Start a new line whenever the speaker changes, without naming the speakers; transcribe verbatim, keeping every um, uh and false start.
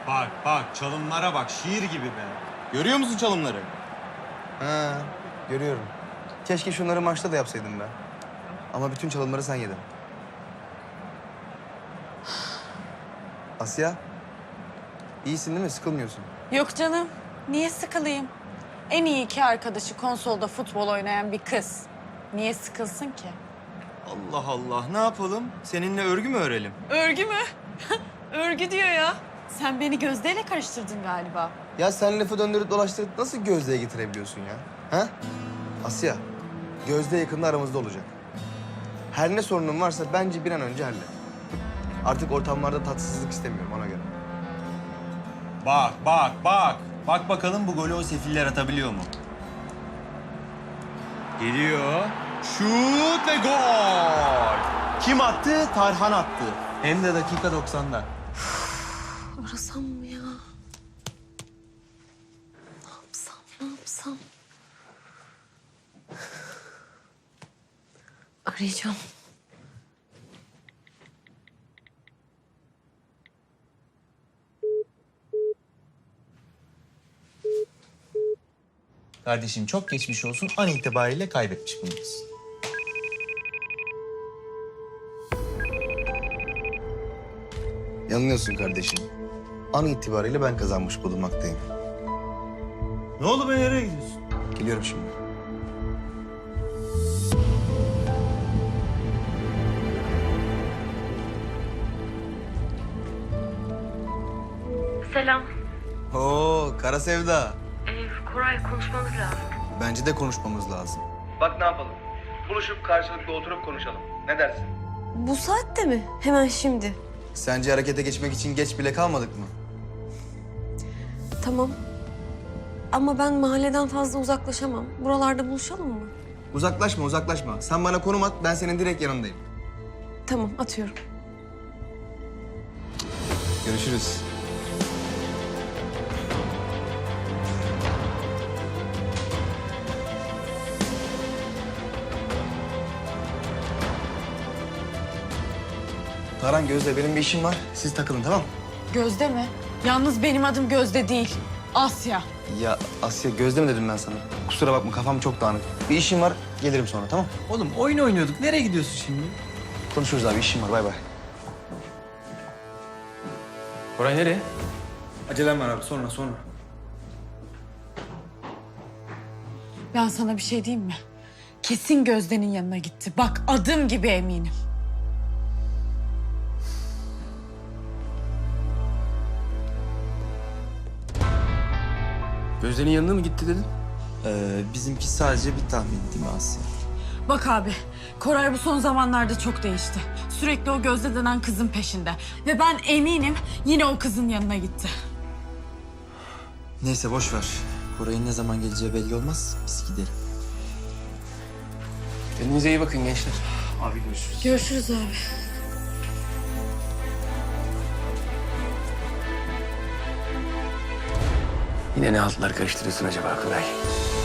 Bak bak çalımlara bak şiir gibi be. Görüyor musun çalımları?
Ha, görüyorum. Keşke şunları maçta da yapsaydım ben. Ama bütün çalımları sen yedin. Asya, iyisin değil mi? Sıkılmıyorsun.
Yok canım. Niye sıkılayım? En iyi iki arkadaşı konsolda futbol oynayan bir kız. Niye sıkılsın ki?
Allah Allah ne yapalım? Seninle örgü mü örelim?
Örgü mü? Örgü diyor ya. Sen beni Gözde'yle karıştırdın galiba.
Ya sen lafı döndürüp dolaştırıp nasıl Gözde'ye getirebiliyorsun ya? Ha? Asya, Gözde yakında aramızda olacak. Her ne sorunun varsa bence bir an önce hallet. Artık ortamlarda tatsızlık istemiyorum ona göre.
Bak bak bak. Bak bakalım bu golü o sefiller atabiliyor mu? Geliyor. Şut ve gol. Kim attı? Tarhan attı. Hem de dakika doksanda.
Arasam mı ya? Ne yapsam, ne yapsam? Arayacağım.
Kardeşim çok geçmiş olsun. An itibariyle kaybetmiş bulunuyorsun.
Yanılıyorsun kardeşim. An itibariyle ben kazanmış bulunmaktayım.
Ne oldu be nereye gidiyorsun?
Geliyorum şimdi.
Selam.
Oo, Kara Sevda.
Ee, Koray konuşmamız lazım.
Bence de konuşmamız lazım. Bak ne yapalım? Buluşup karşılıklı oturup konuşalım. Ne dersin?
Bu saatte mi? Hemen şimdi.
Sence harekete geçmek için geç bile kalmadık mı?
Tamam. Ama ben mahalleden fazla uzaklaşamam. Buralarda buluşalım mı?
Uzaklaşma, uzaklaşma. Sen bana konum at, ben senin direkt yanındayım.
Tamam, atıyorum.
Görüşürüz. Taran, Gözde benim bir işim var. Siz takılın tamam mı?
Gözde mi? Yalnız benim adım Gözde değil. Asya.
Ya Asya, Gözde mi dedim ben sana? Kusura bakma, kafam çok dağınık. Bir işim var, gelirim sonra tamam mı?
Oğlum oyun oynuyorduk. Nereye gidiyorsun şimdi?
Konuşuruz abi, işim var. Bay bay.
Koray nereye?
Acelem var abi, sonra sonra.
Ben sana bir şey diyeyim mi? Kesin Gözde'nin yanına gitti. Bak adım gibi eminim.
Gözde'nin yanına mı gitti dedin?
Ee, bizimki sadece bir tahmin değil mi Asya?
Bak abi, Koray bu son zamanlarda çok değişti. Sürekli o Gözde denen kızın peşinde. Ve ben eminim yine o kızın yanına gitti.
Neyse boş ver. Koray'ın ne zaman geleceği belli olmaz. Biz gidelim.
Kendinize iyi bakın gençler. Abi görüşürüz.
Görüşürüz abi.
Yine ne altlar karıştırıyorsun acaba Koray?